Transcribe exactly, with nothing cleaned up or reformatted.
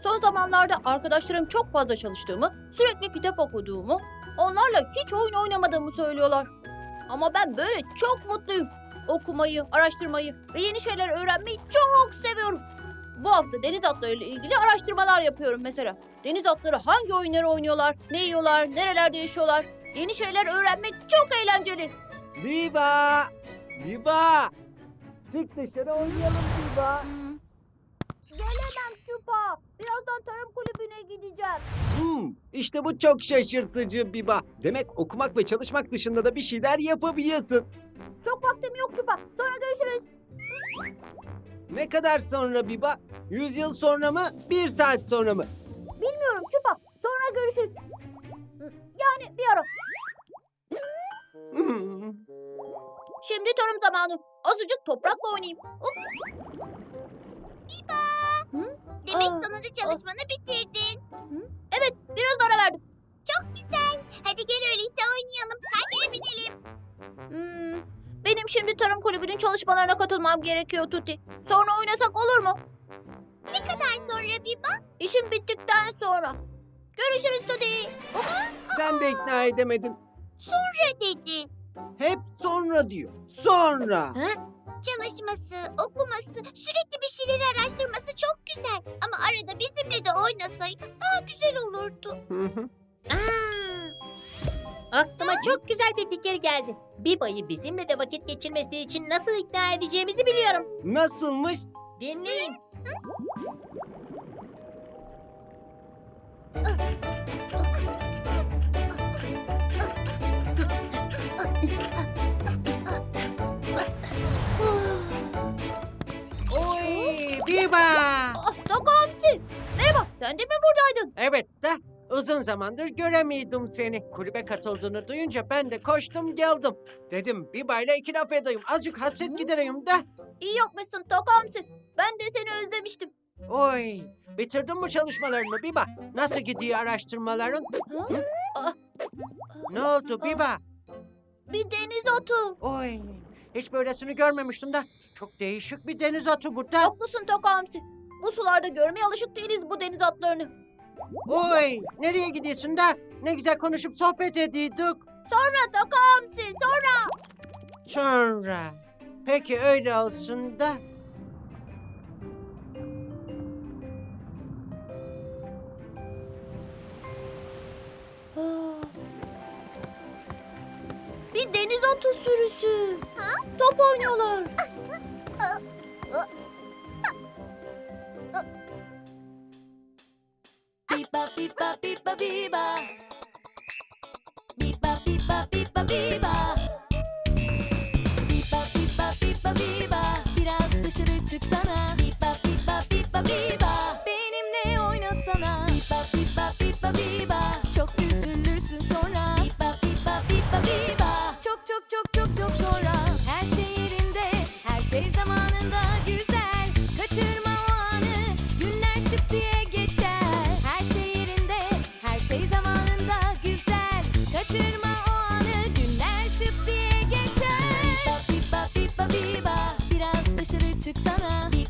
Son zamanlarda arkadaşlarım çok fazla çalıştığımı, sürekli kitap okuduğumu, onlarla hiç oyun oynamadığımı söylüyorlar. Ama ben böyle çok mutluyum. Okumayı, araştırmayı ve yeni şeyler öğrenmeyi çok seviyorum. Bu hafta deniz atlarıyla ilgili araştırmalar yapıyorum mesela. Deniz atları hangi oyunları oynuyorlar, ne yiyorlar, nerelerde yaşıyorlar? Yeni şeyler öğrenmek çok eğlenceli. Biba! Biba! Çık dışarı oynayalım Biba. Hmm. Gelemem Çupa. Birazdan tarım kulübüne gideceğim. Hmm, işte bu çok şaşırtıcı Biba. Demek okumak ve çalışmak dışında da bir şeyler yapabiliyorsun. Çok vaktim yok Çupa. Sonra görüşürüz. Ne kadar sonra Biba? Yüz yıl sonra mı? Bir saat sonra mı? Bilmiyorum Çupa. Sonra görüşürüz. Yani bir ara. Hmm. Şimdi tarım zamanı. Azıcık toprakla oynayayım. Hop. Demek Aa, sonunda çalışmanı bitirdin. Evet, biraz ara verdim. Çok güzel. Hadi gel öyleyse oynayalım. Hadi binelim. Hmm, benim şimdi tarım kulübünün çalışmalarına katılmam gerekiyor Tuti. Sonra oynasak olur mu? Ne kadar sonra Biba? İşim bittikten sonra. Görüşürüz Tuti. Sen de ikna edemedin. Sonra dedi. Hep sonra diyor. Sonra. Çalışması, okuması, sürekli bir şeyleri araştırması çok güzel. Ama arada bizimle de oynasaydı daha güzel olurdu. Hı hı. Aklıma çok güzel bir fikir geldi. Biba'yı bizimle de vakit geçirmesi için nasıl ikna edeceğimizi biliyorum. Nasılmış? Dinleyin. Oy Biba! Ah, Doku Hamsi. Merhaba, sen de mi buradaydın? Evet de uzun zamandır göremiyordum seni. Kulübe katıldığını duyunca ben de koştum geldim. Dedim Biba ile iki laf edeyim. Azıcık hasret gidereyim de. İyi yapmışsın Doku Hamsi. Ben de seni özlemiştim. Oy bitirdin mi çalışmalarını Biba? Nasıl gidiyor araştırmaların? Ha? Hı? Ah, Ne oldu Biba? bir deniz atı. Oy hiç böylesini görmemiştim de. Çok değişik bir deniz atı bu da. Haklısın Doku Hamsi. Bu sularda görmeye alışık değiliz bu deniz atlarını. Oy nereye gidiyorsun da? Ne güzel konuşup sohbet ediyorduk. Sonra Doku Hamsi, sonra. Sonra. Peki öyle olsun da. Ah. Bir deniz atı sürüsü. Top oynuyorlar. Biba biba biba biba. Biba biba biba biba. Biba biba biba biba. Biraz dışarı çıksana. Biba biba biba biba. Benimle oynasana. Biba biba biba biba. Çok üzülürsün sonra. Biba biba biba biba. Çok çok çok çok çok sonra. Her şey yerinde, her şey zamanında güzel. Kaçırma o anı. Günler şıp diye geçer. Her şey yerinde, her şey zamanında güzel. Kaçırma o anı. Günler şıp diye geçer. Biba biba biba biba. Biraz dışarı çıksana.